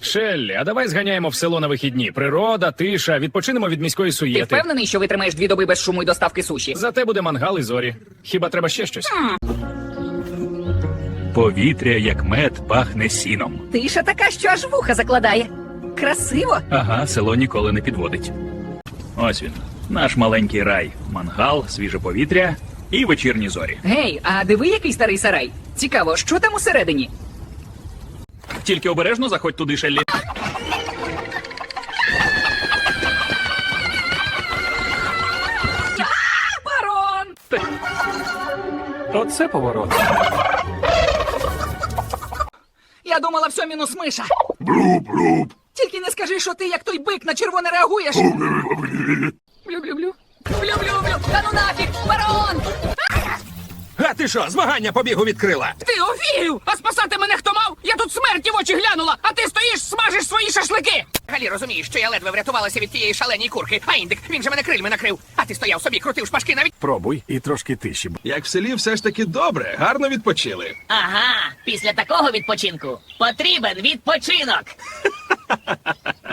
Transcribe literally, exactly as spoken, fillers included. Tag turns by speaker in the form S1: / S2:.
S1: Шеллі, а давай зганяємо в село на вихідні. Природа, тиша, відпочинемо від міської
S2: Ти
S1: суєти.
S2: впевнений, що витримаєш дві доби без шуму і доставки суші?
S1: Зате буде мангал і зорі. Хіба треба ще щось?
S3: Повітря, як мед, пахне сіном.
S2: Тиша така, що аж вуха закладає. Красиво.
S3: Ага, село ніколи не підводить. Ось він, наш маленький рай. Мангал, свіже повітря і вечірні зорі.
S2: Гей, а диви, який старий сарай. Цікаво, що там усередині?
S3: Тільки обережно заходь туди, Шеллі.
S2: Барон!
S1: Оце поворот.
S2: Я думала, все мінус миша. Блюб-блюб. Тільки не скажи, що ти, як той бик, на червоне реагуєш. Блю-блю-блю. Блю-блю-блю. Та ну нафіг, барон!
S4: А ти що, змагання по бігу відкрила?
S2: Ти офігів! А спасати мене хто мав? Я тут смерті в очі глянула, а ти стоїш, смажиш свої шашлики! Галі, розумієш, що я ледве врятувалася від тієї шаленій курки, а індик, він же мене крильми накрив. А ти стояв собі, крутив шпажки навіть.
S5: Пробуй і трошки тиші.
S4: Як в селі все ж таки добре, гарно відпочили.
S6: Ага, після такого відпочинку потрібен відпочинок.